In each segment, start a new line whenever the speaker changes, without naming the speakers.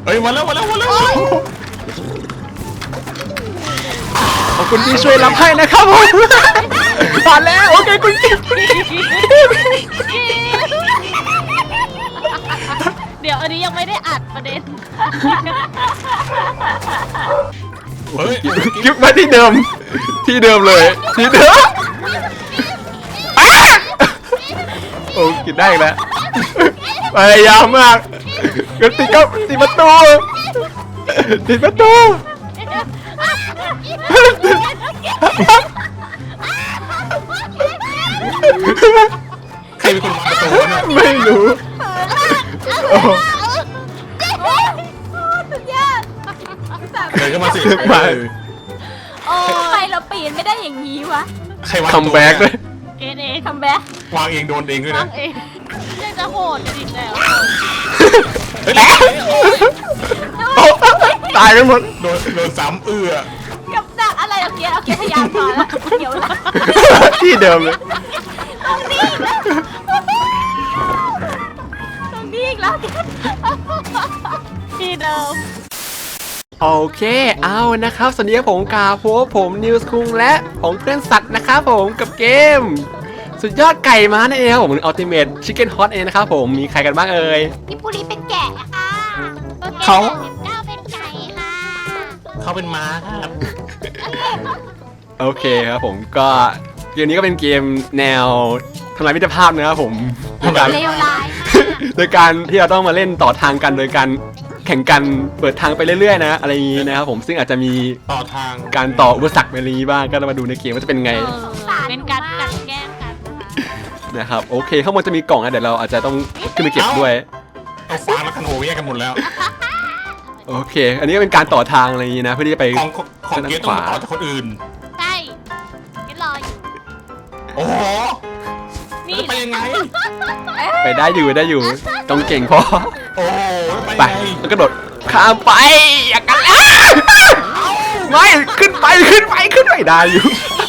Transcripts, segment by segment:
เฮ้ยมาแล้ว
ขอบคุณที่ช่วยรับให้นะครับผมผ่านแล้วโอเคคุณกิ๊ฟ
เดี๋ยวอันนี้ยังไม่ได้อัดประเด็น
เฮ้ย
กิ๊ฟมาที่เดิมเลยที่เดิมโอ้กินได้แล้วพยายามมากก็ติดประตู
ใครเป็นคนวางประตูเนี่ย
ไม่รู้โอ้
สุดยอด
เดินเข้ามาสิ
มา
โอ้ทำไมเราปีนไม่ได้อย่างนี้วะ
ใครวาง
คัมแบ็กเลย
เกณฑ์เอง
ทำแบ็คว
างเองโดนเองด้วย
ฟั
นะ
งเองยังจะโหดกันอีกแล้ว
เฮ้ย
ตายกันหมด
โดนซ้ำ
กับดักอะไรเอาเกียร์พยายามก่อนแล้วเดี๋ยวละ
ที่เดิมเลย
ตรงนี้อีกแล้ว
ที่เดิม
โอเคเอานะครับสวัสดีครับผมกาโฟผมนิวส์คุงและของเพื่อนสัตว์นะครับผมกับเกม สุดยอดไก่ม้านั่นเองครับผมอัลติเมทชิคเก้นฮอตเองนะครับผมมีใครกันบ้างเอ่ย
พี่ปุรีเป็นแกะค่ะ
เขา
19เป็นไก่ค่ะ
เขาเป็นม้าครับ
โอเคครับผมก็เกมนี้ก็เป็นเกมแนวทำลายมิตรภาพนะครับผมโดยการ
เลวร้าย
โดยการที่เราต้องมาเล่นต่อทางกันโดยการแข่งกันเปิดทางไปเรื่อยๆนะอะไรอย่างนี้นะครับผมซึ่งอาจจะมี
ต่อทาง
การต่ออุปสรรคไปนี้บ้างก็มาดูในเกมว่าจะเป็นไง
เป็นการกลันแกล้งกันนะคะ
นะครับโอเคข้างบนจะมีกล่องนะเดี๋ยวเราอาจจะต้องขึ้นไปเก็บด้วย
เอาฟางและคันโฮแยกกันหมดแล้ว
โอเค อันนี้ก็เป็นการต่อทางอะไรอย่างนี้นะเพื่อที่จะไป
ของเกตต้องต่อจากคนอื่น
ใช่กินรออยู่
โอ้โห
นี่
จะไปยังไง
ไปได้อยู่ต้องเก่งพอ
โอ้โห
ไป
ยังไง
แล้วกระโดดข้ามไปอย่ากันแล้วไม่ขึ้นไปได้อยู่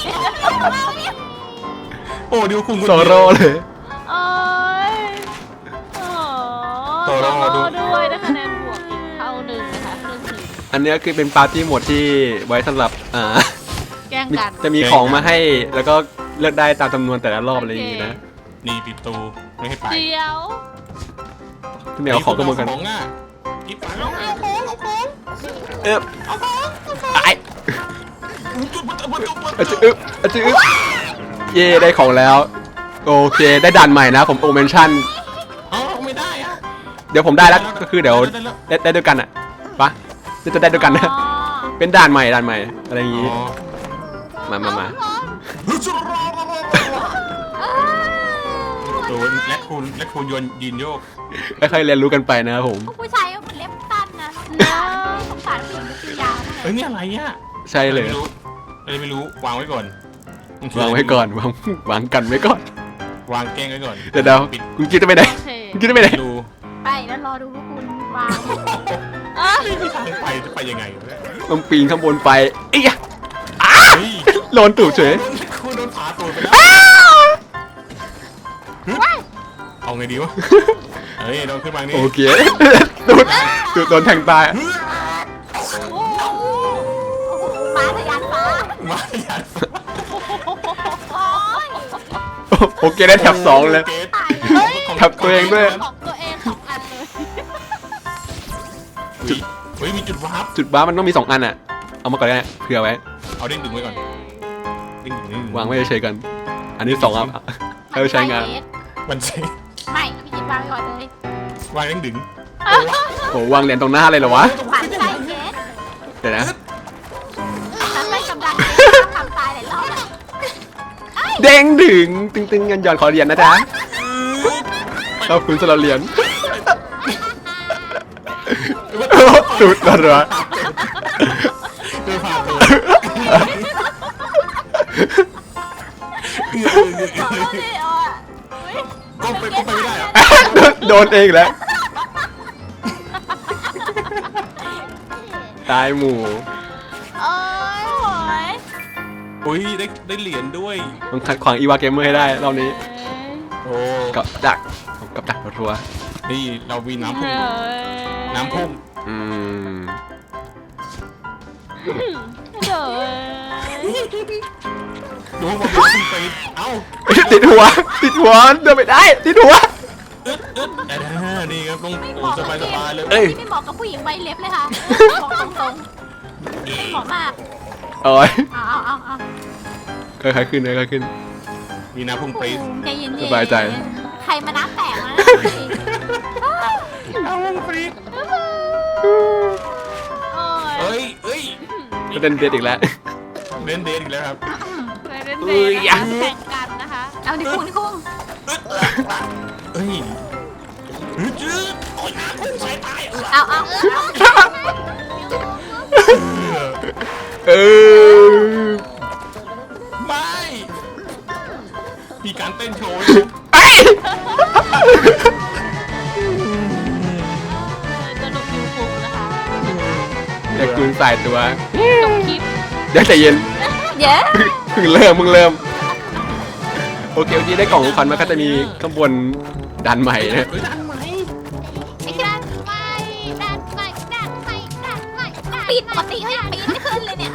โอ้ดิวคุง
โซโร่เลย
โอ้ยโอ้ด้วยนะคะแนนบวกอีกเท่าหนึ่งนะคะครึ่งหนึ่ง
อันนี้คือเป็นปาร์ตี้โหมดที่ไว้สำหรับ
แกล้งกัน
จะมีของมาให้แล้วก็เลือกได้ตามจำนวนแต่ละรอบอะไรอย่างนี้นะ
นี่ปิดประตูไม่ให้ไป
เดี๋ยว
พี่เหมียวของกระมวลกัน
ของอ่ะกิ๊บไปแล้ว
ไอ้อาจจะเย่ได้ของแล้วโอเคได้ด่านใหม่นะผมโอเมนชั่น
อ๋อไม่ได้อะ
เดี๋ยวผมได้แล้วก็คือเดี๋ยวได้ด้วยกันอ่ะปะจะได้ด้วยกันนะ
อ๋อ
เป็นด่านใหม่อะไรอย่างงี้
อ๋อ
มา
โดนและคุณโยนยินโยก
ค่อยๆเรียนรู้กันไปนะครับผม
ผู้ชายก็เป็นเล็บสั้นนะสงสารผู้หญิงที่ยาวมาก
เฮ้ยนี่อะไรอ่ะ
ใช่เลย
ไม่รู้วางไว้ก่อน
วางไว้ก่อนวางกันไว้ก่อน
วางแกล้งไว้ก่อน
เดี๋ยวคุณกิ๊ดจะไปไหน
โอเค
คุณกิ๊ดจะไปไหน
ดู
ไปแล้วรอดูพวกคุณวาง
ไม่มีทางไปจะไปยังไงวะเนี่ย
ต้องปีนข้างบนไปเอ้ย
เฮ้ย
โดนตูดเฉย
คุณโดนผาตูดไปแล้วเอาไงดีวะเฮ้ยโดนขึ้นมานี่
โอเคตูดโดนแทงตาย
ม้าทะยานฟ้า
มาอย่า
โอ้ย
โอเคได้แถบสองเลย
ของ
ทับตัวเองด้วย
ของตัวเองของอันเลย
เฮ้ยมีจุดวาร์ป
จุดบ้ามันต้องมี2 อันอ่ะเอามาก่อนได้เผื่อไว้
เอาเด้งดึงไว้ก่อนเด้งดึง
วางไว้เฉยๆกัน อันนี้2 อันให้ใช้งาน
มันใช่
ไม่พี่จิตวางไว้ก่อนเลยว
างเด้งดึง
โหวางเหรียญตรงหน้าเลยเหรอวะ
ปั่นใจเกส
เดี๋ยวนะ
ฉันไม่กำลังทำตายหลายรอบแล้ว
เด้งดึงตึงๆเงินหย่อนขอเหรียญนะจ๊ะขอบคุณสำหรับเหรียญตูดรัว
เดินผ่านตัว ก็ไปไม่ได้อะ
โดนเองแล้วตายหมู่
โอ้ยโอ้ย
อุ้ยได้เหรียญด้วย
ต้องขัดขวางอีวาเกมเมอร์ให้ได้รอบนี้
โอ้
กับดักรัว
นี่เรามีน้ำพุ่ง
เฮ้ย
น้ำพุ่ง
อืม
เดี๋ยว
ดูว่าผมไปเอ้า
ติดหัวเดินไม่ได้ติดหัว
นี่ครับต้อง
ไม่เห
โอ้
มาะ
สบายเลย
เอ้ย
ที่ไม่เหมาะกับผู้หญิงใบเล็บเลยค่ะบอกตรงๆไม่เหมาะมาก
โอ้ย
เอา
ค่อยๆขึ้นค่อยๆขึ้น
มีน้ำพุ่งปรี๊ด
ใจเย็นๆ
สบายใจ
ใครมาน้ำแตกนะ
น้ำพุ่งปรี๊ด
โอ้ย
เอ้ย
ก็เดินเด็ดอีกแล้ว
เล่นเดทอีกแล้วครับ
เคยเล่น
เอ้
เด
ย
ท
ยัง
แข่งกันนะคะ
เอาดิคุณ
เอ้ยจืดโอ้ยน้ำพุ่งใส่ตาย
เอา
เออ
ไม่มีการเต้นโชว์
ไอ้
สนุกยูฟูนะคะ
อย่ากูนใส่ตัว
จบคลิป
เดี๋ยวใจเย็น
เย้
เพิ่งเริ่มโอเคได้กล่องของขวัญมาก็จะมีข้างบนดันใหม่นะ
ไอ้ดันไปปิดปกติเฮ้ยปิดไม่ขึ้นเลยเนี่ย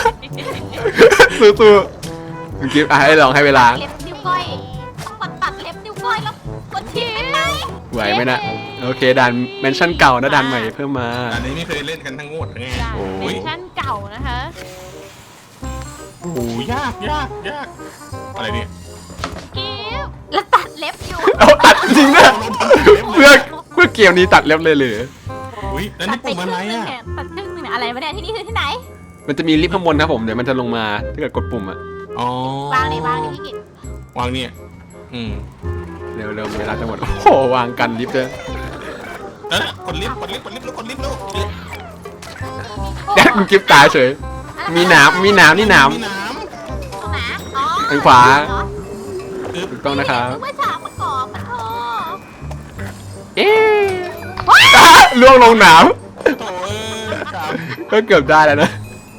สู้ๆเมื่อกี้ให้ลองให้เวลา
เล็บนิ้วก้อยต้องตัดเล็บนิ้วก้อยแล้วกดทิ้งไป
ไหวไหมนะโอเคดันเมนชั่นเก่านะดันใหม่เพิ่มมา
อันนี้ไม่เคยเล่นกันทั้งงวดไง
จาก
โอ้
เวย อร์ชั่นเก่านะคะ
โอ้ยากอะไรเนี่ย
กิ๊บ
แล้วตัดเล็บอยู่
เอาตัดจริงนะเพื่อเกมนี้ตัดเล็บเลยหรือ
อุ้ยแล้วนี่ปุ่มอะไรอ่ะ
ตัดครึ่งนึงเนี่ยอะไรวะเนี่ยที่นี่คือที่ไหน
มันจะมีลิฟต์ข้างบนครับผมเดี๋ยวมันจะลงมาถ้าเกิดกดปุ่มอะ
อ๋อ
วางนี่พี่กิต
วางเนี่ย
เร็วเวลาจะหมดโอ้โหวางกันลิฟต์เลย
กดลิฟต์แล้วกดลิฟต์แล้ว
แดดมึงกิฟตายเฉยมีหนามนี่หนาม
มีน้
ตรงไหนอ๋อ
ทางขวาถูกต้องนะครับ
นึกว่าฉากประกอบปะโถ
เอ๊ะล่วงลงหนาม
ำโถ่ก
ก็เกือบได้แล้วนะ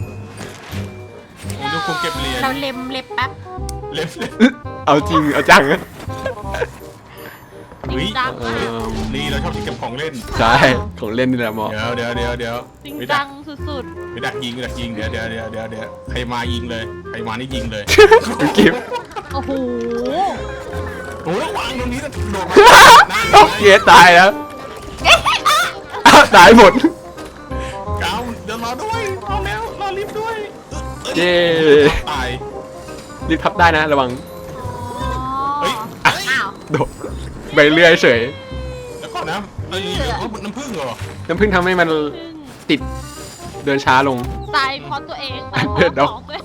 ผมดูคงเก็บเหรียญ
เราเล็บแป๊บ
เล็บ
เอาจริงเอาจังนะ
จริงจัง
เอ
มาก
อ
นี่เราชอบที่เก็บของเล่น
ใช่ของเล่นนี่แหละหมอ
เดี๋ยว
จริง
ไม่
จั
ดั
ง
ก
สุด
ไม่ดักยิงเดี๋ยวใครมายิงเลยใครมานี่ยิงเลย
กิฟ
ๆ โอ้โห
โอ้ยวางตรงนี้แล้วโดดมา
โอเคตายแล้วอ้าวตายหมด
เก้าเดี๋ยวรอด้วยรอแล้วรอลิฟต์ด้วย
เย้
ตาย
รีบพับได้นะระวัง
เฮ้ย
อ้าว
โดดไปเรื่อยเฉย
แล้วก่อนนะเอ้ยน้ำผึ้งเหรอ
น้ำผึ้งทำให้มันติดเดินช้าลง
ตายเพราะตัวเองตายเพ
เดี๋ยว
ราะของตัวเอง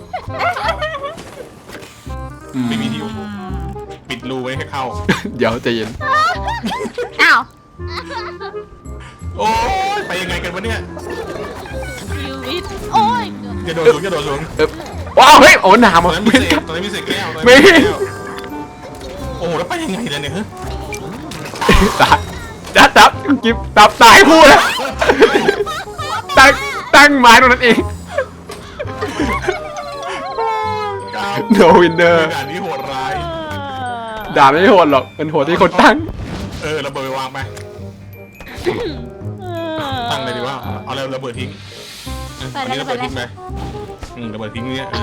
อืม
ไม่มีที่ปิดรูไว้ให้เข้า
เดี๋ยวใจเย็น
อ้าว
โอ้ยไปยังไงกันวะเนี่ย
ชีวิตโอ้ยเกือบ
จะโดดสูง
เอ๊ะว้าวเฮ้ยโอ้หนาม
ตอ
อ่ะ
นนั้นมี
ไม่
เศ
กลั
ษ
บ
ตอนนั้นมีเศษแก้ว
ไม่
โอ้แล้วไปยังไงล่ะเนี่ย
ตายจับกิฟตับตายคู่แล้วตั้งไม้ตรงนั้นเอง No winner
ด่านนี้โหดร้าย
ด่าไม่โหดหรอกมันโหดที่คนตั้ง
ระเบิดไปวางไปตั้งเลยดีว่าเอาแล้วระเบิดทิ้งอันนี้ระเบิดทิ้งไประเบิดทิ้งเนี่ย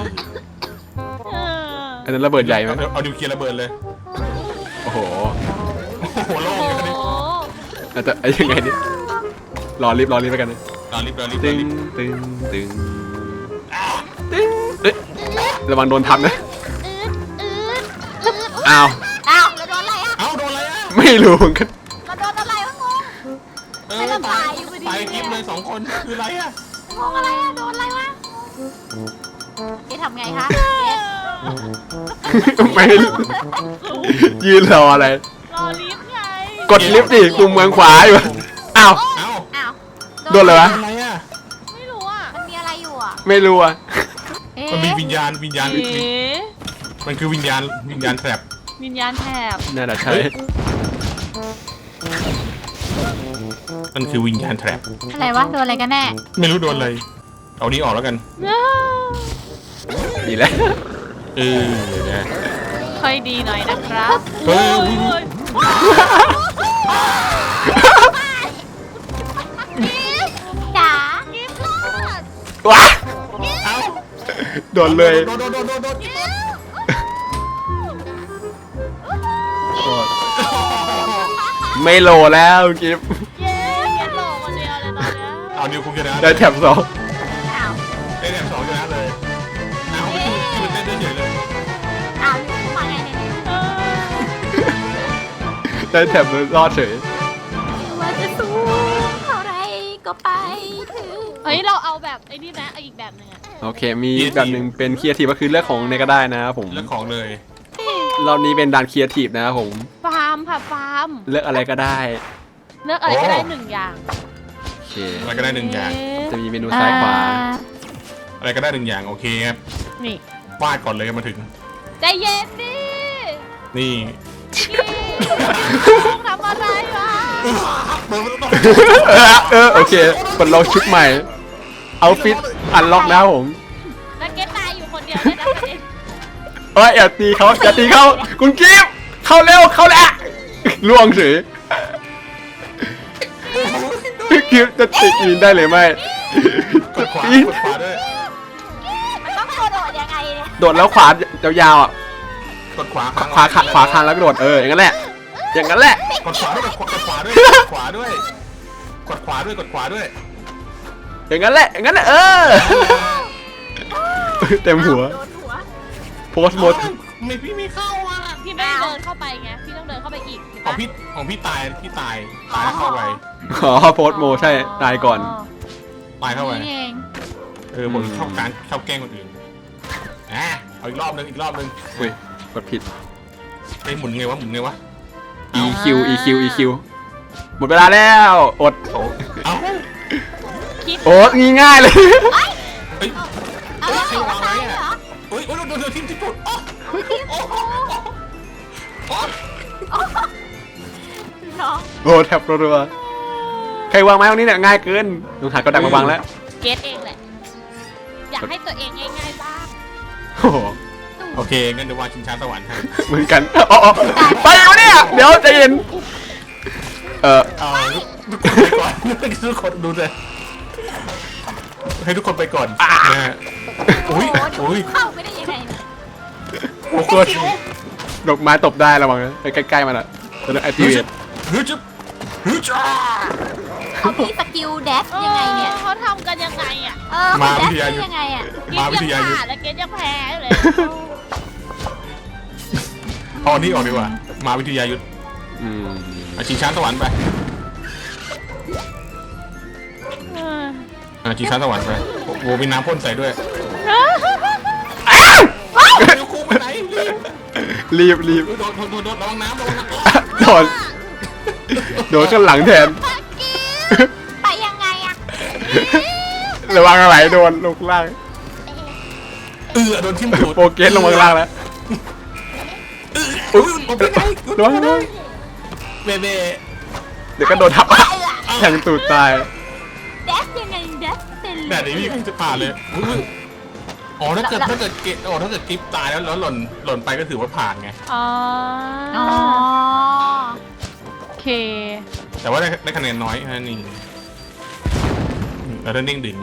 อันนั้นระเบิดใหญ่ไหม
เอานิวเคลียร์ระเบิดเลย
โอ้โห
โอ้โหโล่ง
โอ้
เลย
โห
อาจจะยังไงนี่รอรีบไปกันนะ
รอลิฟต์
ตึงเอ๊ะระวังโดนทับนะอ้าว
อ้าวเราโดนอะไรอ่ะ
เอ้าโดนอะไรอ่ะ
ไม่รู้เหมือนกัน
เราโดนอะไรวะงง ไม่ระบายอยู่พอดี
ตายกิฟเลย2 คนคืออะไรอ่ะ
งงอะไรอ่ะโดนอะไรวะเจ๊ทำไงคะเจ๊
ไม่ยืนรออะไร
รอลิฟต์ไง
กดลิฟต์ดิปุ่มเมืองขวาอยู่อ้าว
เอ้า
อ้าว
โดนอะไรวะ
อะไรอ่ะ
ไม่รู้อ่ะ
มันมีอะไรอยู่อ่ะ
ไม่รู้อ่ะ
เอ๊ะ
มันมีวิญญาณ
เอ๊ะ
มันคือวิญญาณแทรป
วิญญาณแถบ
น่าจะใช่
มันคือวิญญาณแทรป
อะไรวะโดนอะไรกันแน่
ไม่รู้โดนอะไร เอานี้ออกแล้วกัน
ดีแล้ว
นะ
ค่อยดีหน่อยนะครับ
เฮ้ย
โ
ว้า
เอ้า
โดนเลย
โดน
ไม่โหลแล้วกิฟ
เย้เกตโหลคนเดียวเลยตอนเนี้ย
เอานิวคุงชนะ
ได้แถบ2
อ้าว
ได้แถบ2ชนะเลยเอาคือเต้นได้เฉยเลย
อ้าวอยู่มาไงเนี่ย
เออ
ได้แถบรอดเฉย
ว่าจะสู้เท่าไรก็ไปถึง
เฮ้ยเราเอาแบบไอ้นี่นะเอาอีกแบบหนึงอะ
โอเค มีแบบหนึ่งเป็นครีเอทีฟก็คือเลือกของในก็ได้นะครับผม
เรื่องของเลย
รอบนี้เป็นด่านครีเอทีฟนะครับผม
ฟาร์มค่ะฟาร์ม
เลือกอะไรก็ได้
เลือกอะไรก็ได้หนึ่งอย่าง
โอเค
อะไรก็ได้1อย่าง
จะมีเมนูซ้ายขวา
อะไรก็ได้1อย่างโอเคครับ
นี่
วาดก่อนเลยมาถึง
ใจเย็นดิ
นี่
ทำอะไรวะ
โอเคปลดล็อกชุดใหม่ เอาฟิตอันล็อกนะครับผม
แล้วเกตตายอยู่คนเดียวเลยนะประเด็น
เอ้ยอย่าตีเขาอย่าตีเขาคุณกิฟต์เข้าเร็วเข้าแล้วล่วงเฉยกิฟต์จะติดอินได้หรือไม่
กดขวาด้วย
มันต้องโดดยังไงเนี่ย
โดดแล้วขวายาวๆอ่ะ
กดขวา
ขวาคานแล้วก็โดดอย่างนั้นแหละอย่างนั้นแหละ
กดขวาด้วยกดขวาด้วยกดขวาด้วยกดขวาด้วยกดขวาด้วย
อย่างนั้นแหละอย่างนั้นแหละเต็มหัว
โดนหัว
โพสต์หมด
ไม่พี่ไม่เข้าอ่ะ
พี่ไม่ได้เดินเข้าไปไงพี่ต้องเดินเข้าไปอีกเห็น
ของ
ปะ
พี่ตายแล้วเข้าไป
อ๋อโพสต์โมใช่ตายก่อน
ตายเข้าไป
นี่เอง
ผมชอบการชอบแกล้งคนอื่นเอาอีกรอบนึง
อุ้ยกดผิด
ไปหมุนไงวะ
EQหมดเวลาแล้วอด
เอา
คิด
โอ้งี้ง่ายเลย
เฮ้ย
เอาแล้วหัวตายเหรอ
โอ้ยโดนทีมที่สุดโอ้
น้อง
โอ้แทบรัวๆใครวางไม้ตรงนี้เนี่ยง่ายเกินต้องหากระดักมาวางแล้ว
เกตเองแหละอยากให้ตัวเองง่ายๆบ้าง
โอ้โห
โอเคงั้นเดี๋ยววางชิงช้าสวรรค์ให้
เหมือนกันอ๋อไปวะเนี่ยเดี๋ยวใจเย็น
เอาทุกคนไปก่อนทุกคนดูเลยให้ทุกคนไปก่อนนะฮะ
โอ้
อุ้ย
เข้าไม่ได้ยังไงเนี่ย
โอ้โหดอกไม้ตบได้ระวังนะไปใกล้ๆมันอ่ะจะได้ไอทีเวท
ฮึจ๊บ
เขามีสกิลแดชยังไงเนี่ย
เขาทำกันยังไงอ่ะ
เขาแดชได้ยังไงอ่ะ
เกตยังผ่านแล้วเกตยังแพ้อยู่เลย
เอานี่ออกดีกว่ามาวิทยายุทธ ชิงช้าสวรรค์ไปชิงช้าสวรรค์ไปโอ้มีน้ำพ่นใส่ด้วยเดี๋ยวครูไปไหน
รีบ
โดนระวังน้ำ
โดนข้างหลังแทน
ไปยังไงอ่ะ
ระวังอะไรโดนลงล่าง
โดนทิ่มตูด
โปเกสลงมาล่างแล้ว ระวัง
เบเบ้
เดี๋ยวก็โดนทับแทงตูดตาย
แดชยังไงแดชเป็น
แต่นี้พี่จะผ่านเลยอ๋อถ้าเกิดกิฟตายแล้วหล่นไปก็ถือว่าผ่านไง
อ๋อ
อ๋อ
โอเค
แต่ว่าได้คะแนนน้อยแค่นั้นเองแล้วได้เด้งดึง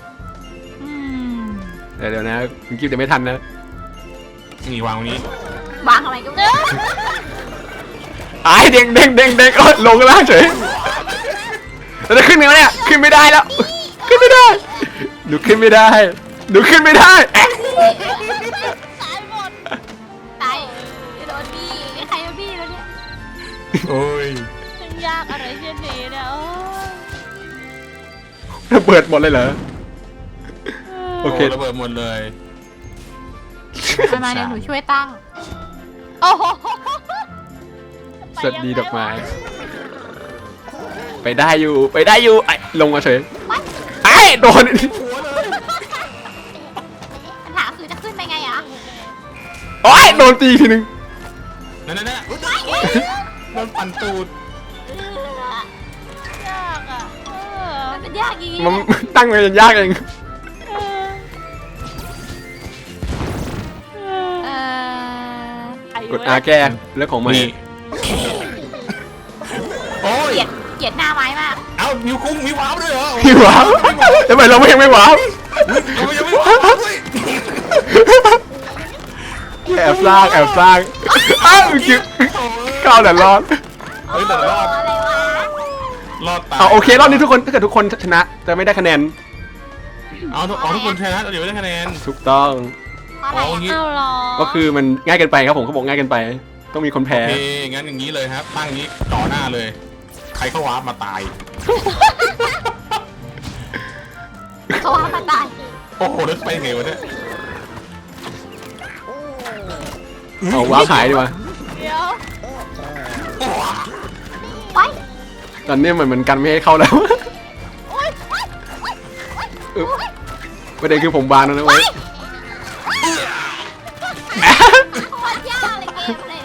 เดี๋ยวนะคุณกิฟต์จะไม่ทันนะ
นี่วางวันนี้
วางอะไรก็ไม่รู้
ไอ้เด้งลงล่างเฉยเราจะขึ้นยังไงเนี่ยขึ้นไม่ได้แล้วขึ้นไม่ได้ดูขึ้นไม่ได้
ตายหมด
ตายโดนบี้ใครมาบี้แล้วเนี่ย
โอ้ย
ฉันยากอะไรเช่นนี้เนี่ย
ระเบิดหมดเลยเหรอโอเค
ระเบิดหมดเลย
มาเดี๋ยวหนูช่วยตั้ง
โอ้โห
สวัสดีดอกไม้ไปได้อยู่ไอ้ลงมาเฉยไอ้โดน
ปัญหาคือจะขึ้นไปไงอ่ะ
โอ้ยโดนตีทีนึง
นั่นโดนปั่นตูด
ยากอ่ะ
มันเป็นยากจริง
มันตั้งไว้ยังยากเอง กดอาแก้เรื่องของมัน
โอ้ย
เกลียดหน้าไม้มาก
เอานิ้วคุ้งมีว้าวด้วยเหรอ
พี่ว้าวทำไมเราไม่ยังไม่ว้าว
เรายังไม่วางเลย
แอบสร้างอ้าวจิ๊บเข้าแต่รอด
เฮ้ยแต่รอด
อะไรวะ
รอดตาย
เอาโอเครอบนี้ทุกคนถ้าเกิดทุกคนชนะจะไม่ได้คะแนน
เอาทุกคนชนะเดี๋ยวไม่ได้คะแนน
ถูกต้อง
อะไร
เอางี้
เอาเหรอ
ก็คือมันง่ายเกินไปครับผมเขาบอกง่ายเกินไป ต้องมีคนแพ้
โอเคงั้นอย่างนี้เลยครับตั้งนี้ต่อหน้าเลย ใครเข้าวาร์ปมาตาย
เขาว่ามาตาย
โอ้โหแล้วไปไงวะเนี่ย
เอาว้าหายดีกว่า
เดี๋ยว
ไป
ตอนนี้เหมือนกันไม่ให้เข้าแล้ว
โอ๊ย
อึ๊บประเด็นคือผมบานแล้วนะเว้ย
โคตรยากเลยเกมเลย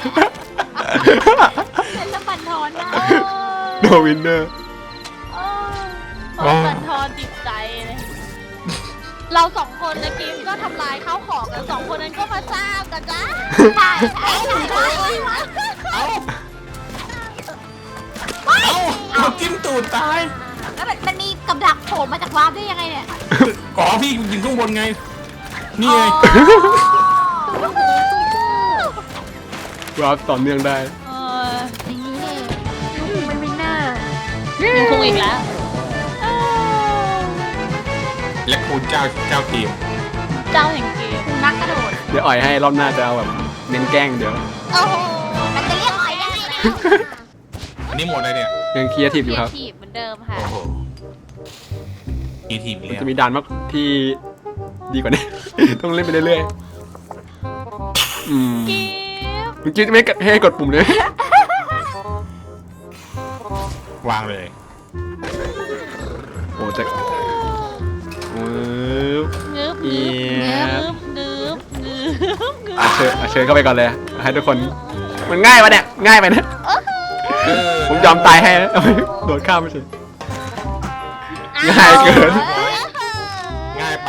เป็นละบันทอนนะ
โดวินเนอร์
โอ้บันทอนจิตใจเลย เราสองคนนะกิมก็ทำลายข้าวของกันสองคนนั้นก็มาสร้างกันจ้า
ใช่ใช่ใช่
เอาเอาจิ้มตูดตาย
แล้วมันมีกับดักโผล่มาจากวาร์ปได้ยังไงเนี่ย
อ๋อพี่ยิงข้างบนไง นี่ไง
ว้าต่อเนื่องได้
เออ
อย่างนี้เนี่ยมันวินเนอร์
ยิงคงอีกแล้ว
และคุณเจ้าทีม
เจ้าแห่งเกม
คุณนักกระโดด
เดี๋ยวอ่อยให้รอบหน้าจะเอาแบบเน้นแกล้งเดี๋ยว
โอ้โห
มันจะเรียกอะไรยังไงเนี่ย
อันนี้หมดเลยเนี่ย
ยังเคลียร์ทีมอยู่ครับ
ทีบเหมือนเดิมค่ะ
โอ้โหอีทีมอีกแล้ว
จะมีด่านมากที่ดีกว่านี้ ต้องเล่นไปเรื่อยๆ
กิม
เมื่อกี้ไม่ให้กดปุ่มเลย
วางเลย
โอ้จะ
งึบ
เอี
งึ
ย
บงึบงึบงึบ
เชิญเข้าไปก่อนเลย ให้ทุกคน มันง่ายวะเนี่ย ง่ายไปนะ ผมยอมตายให้นะเอาไปโดดข้ามไม่ใช่ ง่ายเกิน
ง่ายไป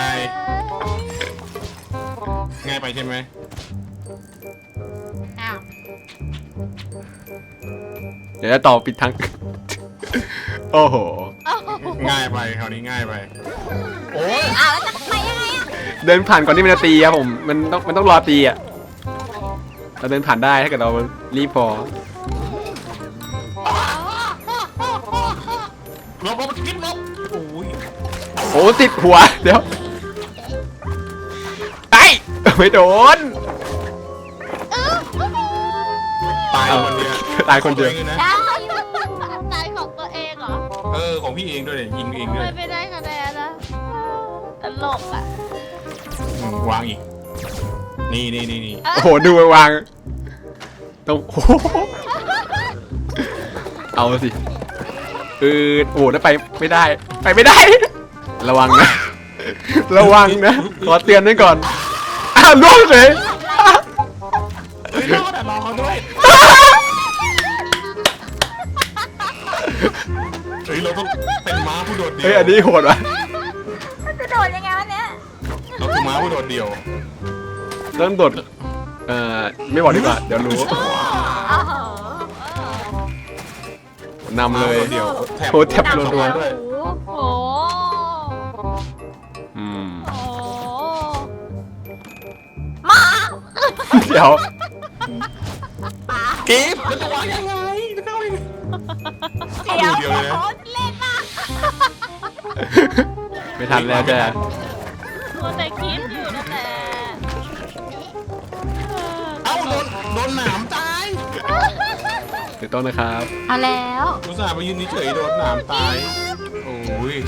ง่ายไปใช่ไหม
อ้าว
เดี๋ยวจะต่อปิดทั้ง โอ้โห
ง่ายไปคราวนี้ง่ายไป โอ้ย
อ้าวแล้วจะไปยังไงอ่ะ
เดินผ่านก่อนที่มันจะตีครับผม มันต้องรอตีอ่ะ เราเดินผ่านได้ถ้าเกิดเรารีบพอ
ลบกิ๊บลบโอ้ย
โอ้ติดหัว เดี๋ยวไอ้ไม่โดน
ตายคนเดียว
ตายคนเดียว
ของตัวองลนะ
ได้อยู่
ตายของตัวเองเหรอ
ของพี่เองด้วยเนี่ยยิงเองด้วย
ไม่ได้คะแนนนะตลกอ่ะ
วางอีก นี่
โอ้โห ดูไปวางต้องโอ้โหเอาสิโอ้โหแล้วไปไม่ได้ ไปไม่ได้ ระวังนะ ระวังนะ ขอเตือนไว้ก่อน อ้าวล่วงเลย
เฮ้ยรอดอ่ะรอเขาด้วย เฮ้ยเราต้องเป็นม้าผู้โดดเดี่ยว
เฮ้ย อันนี้โหดว่ะ
มันจะโดดยังไงวะเนี่ย
เราคือม้าผู้โดดเดี่ยว
ต้องโดดไม่บอกดีกว่า เดี๋ยวรู้
อ้าว
นำเลย
ม้าผู้โดดเดี่ยว
โหแทบ
โด
รั
ด
ว
ด้วย
โอ้
อืม
โอ้
มา
เดี๋ยว
กิ๊บมันจะวางยังไงจะเข้ายังไงเข้าดูเดียวเลยนะ
โคตรเล่นมาก
ไม่ทันแล้วจ้ะ
ตัวแต่คิดอยู่นั่นแหละ
เอ้าโดนหนามตาย
เดี๋ยวต้นนะครับ
เอาแล้ว
อุตส่าห์ไปยืนเฉยๆโดนหนามตาย โอ้ย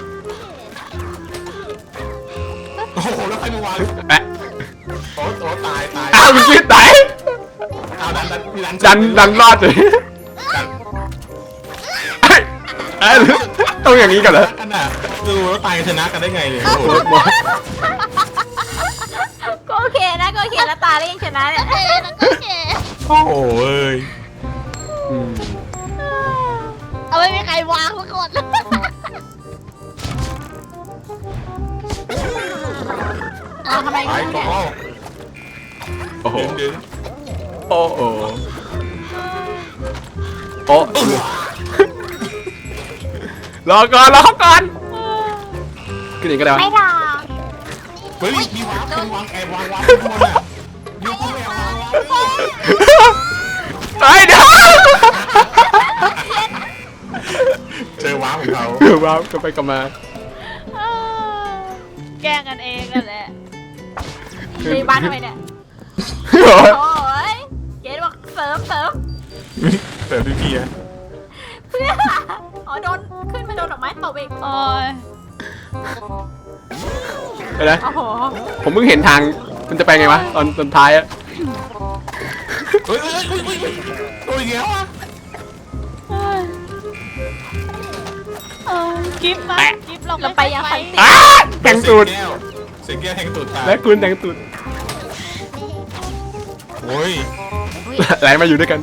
โอ้โหแล้วใครมาวาง
แอะ
โอ้ตาย
อ้าวมันคิดตาย
เอาดัน
ดันรอดเลย
ดัน
เอ้ยต้องอย่างนี้ก่อนเหรอ
กันอ่ะดูแล้วตายชนะกันได้ไงเนี่ยโอ้โห
ก็โอเคนะก็โอเคนะตาแล้วยังชนะเนี่ย
เอ๊ะแล้วก็เก๋
โอ้โหเอ้ย
อืม
เอาไม่มีใครวางสักคน
เอาทำไม
ไป
กัน
ต่
เนี่ย
อ
โอ้โห
ดึง
โอ้โหโอ้รอก่อนขึ้นอีกก็ได้วะ
ไม่รอ
เฮ้ยมีวางเป็นวางแอบวางข้างบนอ่ะยูก็ไม่เอาวาง
ไอ้เดี๋ยว
เจอวางของเขา
ว้าวก็ไปกลับมา
แกล้งกันเองนั่นแหละ
ในบ้านทำไมเนี่ย
โอ้ย
โอ้ยเกดบอกเสริม
เติมด้วยพี่อะ
เพื่ออ๋อโดนขึ้นมาโดนดอกไม้ตบอีก
โอ้ย
ไปนะ
โอ้โห
ผมเพิ่งเห็นทางมันจะไปไงวะตอนท้ายอะ
เฮ้ยตัวเงี้ยวอ่ะ
เอ้ยกิฟต์มากิฟต์เรา
เราไปยังไงติ
อ้าแต่งตูด
เสียงแก้วแทงตูดตาย
และคุณแต่งตูด
โอ้ย
ไหลมาอยู่ด้วยกัน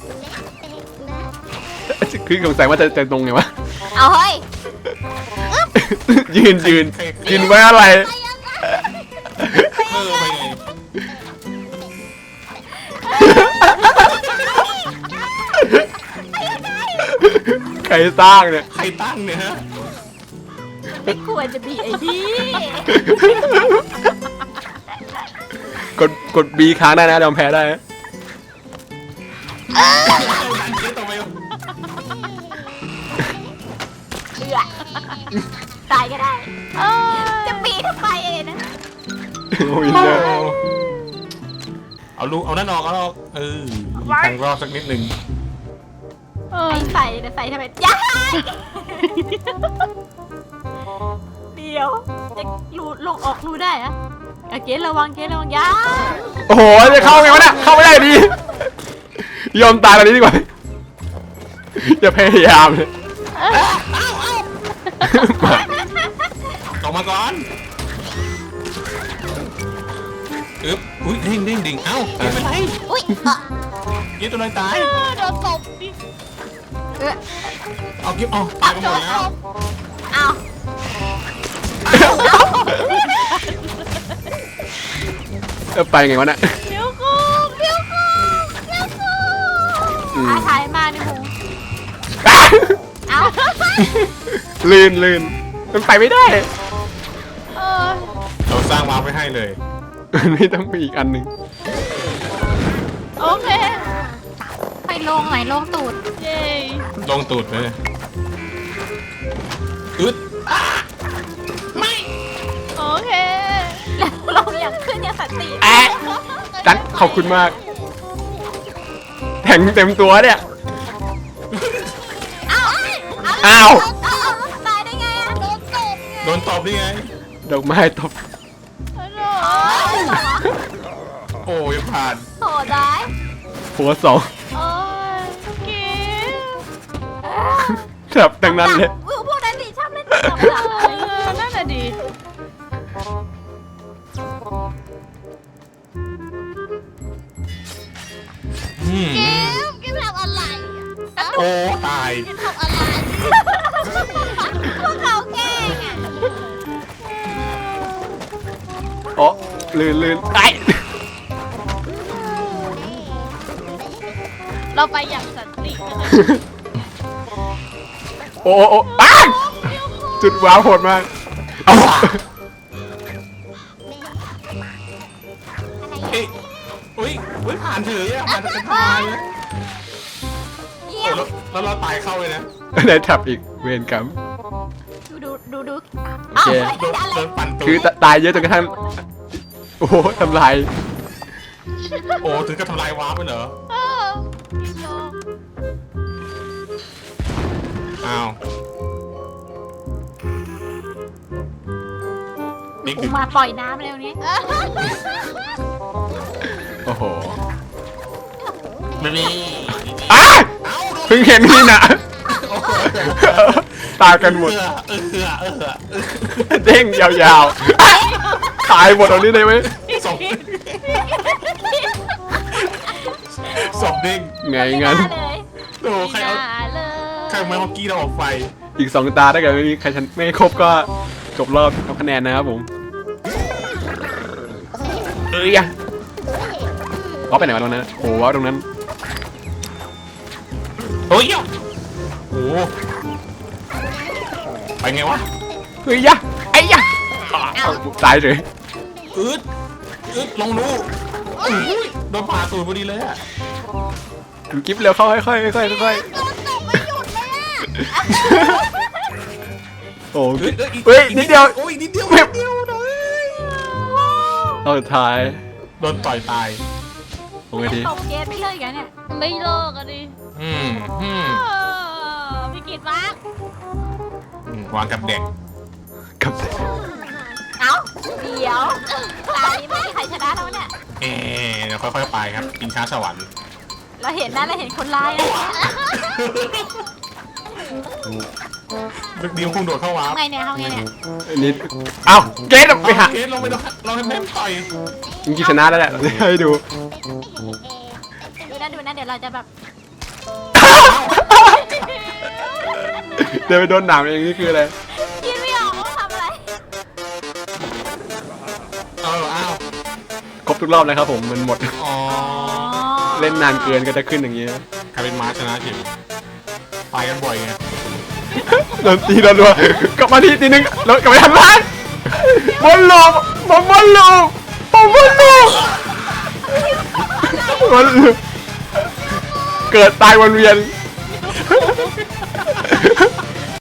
คือสงสัยว่าจะตรงไงวะ
เอาเฮ้ย
ยืนไว้อะไร
ไปไง
ใครสร้างเนี่ย
ใครตั้งเนี่ยฮะ
ไม่ควรจะมีไอ้พี่
กด B ค้างได้นะยอมแพ้ได้นะ
ดันเจ๊ต่อไป
เบื่อตายก็ได้
เอ้ย
จะปีทำไมเองนะ
โอ้ยเนี่ย
เอาลูกเอานั่นออกทางรอบสักนิดหนึ่ง
เอ้ย
ไอ้ใส่นะใส่ทำไมย้ายเดี๋ยวจะรูลงออกรูได้อะเกดระวังย้าย
โอ้โหจะเข้าไงวะเนี่ยเข้าไม่ได้ดียอมตายแบบนี้ดีกว่าอย่าพยายามเลย
ออกมาก่อนอุ้ยดิ่งเอ้าไม่เป็นไร
อุ้ย
ยี่ตัวไหนตาย
โดนตบดิ
เอากิ๊บเอาตายกันหมดแล้ว
เอา
ไปไงวะเนี่ย
เดี๋ยวกู
อืม
อาถ่ายมาในหูเอา
ลื่นมันไปไม่ได้
เออ
เราสร้างวาร์ปไว้ให้เลย
ไม่ต้องมีอีกอันหนึ่ง
โอเค
ไปลงไหนลงตูด
เย้
ลงตูดเลยด
โอเค
แล้วลงอย่างขึ้นอย่างสันติ
แอะจันขอบคุณมากแทงเต็มตัวเนี่ย
เอา
อ้าว
เอาตายได้ไงอะโดนตบ
โดนตบได้ไง
ดอกไม้ตบ
ฮัลโหล
โอ้ยังผ่าน
โหดร้าย
หัวสอง
โอ้ยกิฟต์
ครับดังนั้นเลย
พวกนั้นดิชอบเล่นตบ
เออนั่นน่ะดิ
กินทำอะไร
โอ้ตาย
ทำอะไรพวกเขาแกล้งอะ
โอ้ลื่นไอ้
เราไปอย่างสันติกันนะ
โอ้อ้าวจุดว้าวโหดมากเอา
เอ้ยอุ้ยผ่านเฉยอะผ่านเป็นทายเลย
เยี่ยม
แล้วเราตายเข้าเลยนะ
ได้ทับอีกเวรกรรม
ดู
โอ
อ้าว
เค
โดนปั่นตู
คือ
ด
ตายเยอะจนกระทั่งโอ้โหทำลาย
โอ้ถึงกับทำลายวาร์ปไปเหรอ
เออกิฟต์โล
อ้าวนิก
กู
ดึก
มาปล่อยน้ำเร็วนี้
โอ้โห
ไม่มี
อ้าเพิ่งเห็นนี่นะตายกันหมดเด้งยาวๆตายหมดตรงนี้เลยไหม
สองสองเด้ง
ไงงั้น
เลย
โอ้ใครเอา
อย่าเลย
ใครเอาไม้ฮอกกี้เราออกไฟ
อีก2 ตาถ้าเกิดไม่มีใครชันไม่ครบก็จบรอบทำคะแนนนะครับผมอะว้าไปไหนวะตรงนั้นโอ้ว้าตรงนั้น
โอ้ยโอ้ไปไงวะ
เฮ้ยยะไอ้ยะตายเลย
อึดลงรูโอ้ยโดนผ่าตูดพอดีเลยอะ
ดูกิ๊บเร็วเข้าค่อยๆค่อยๆค่อย
โดนตบไม่หยุดเลยอะ
ๆโอ้
อึด
เฮ้ยนิดเดียว
โอ้ยนิดเดียวเลย
เอาสุดท้าย
โดนต่อยตาย
โอ้ยดี
ตบเกสไม่เลิกกันเนี่ย
ไม่เลิกอะดิ
อืม
พี่กิตมาก
วางกับเด็ก
กับ
เอ้าเดี๋ยวตานี้ไม่มีใครชนะแล้วเนี่ย
เดี๋ยวค่อยๆไปครับกินช้าสวรรค์
เราเห็นนะเราเห็นคนร้ายนะ
ดึกดีมคงโดดเข้าว้า
ทำไงเนี่ยทำไงเนี่ย
นิดเอ้าเกตไปหา
เกสลงไปเราให้แม่ต่อย
จริงๆชนะแล้วแหละให้ดู
ดูนะเดี๋ยวเราจะแบบ
เดินไปโดนหนามเองนี่คืออะไร
คิดไม่ออกว่าทำอะไร
อ้าว
ครบทุกรอบเลยครับผมมันหมด
อ๋อ
เล่นนานเกินก็จะขึ้นอย่างเงี้ย
ใครเป็นม้าชนะทีมตายกันบ่อยไง
โดนตีโดนรัวกลับมาทีนึงแล้วกลับไปทำร้านบอลลูกบอลลูกบอลลูกบอลลูกเกิดตายวนเวียน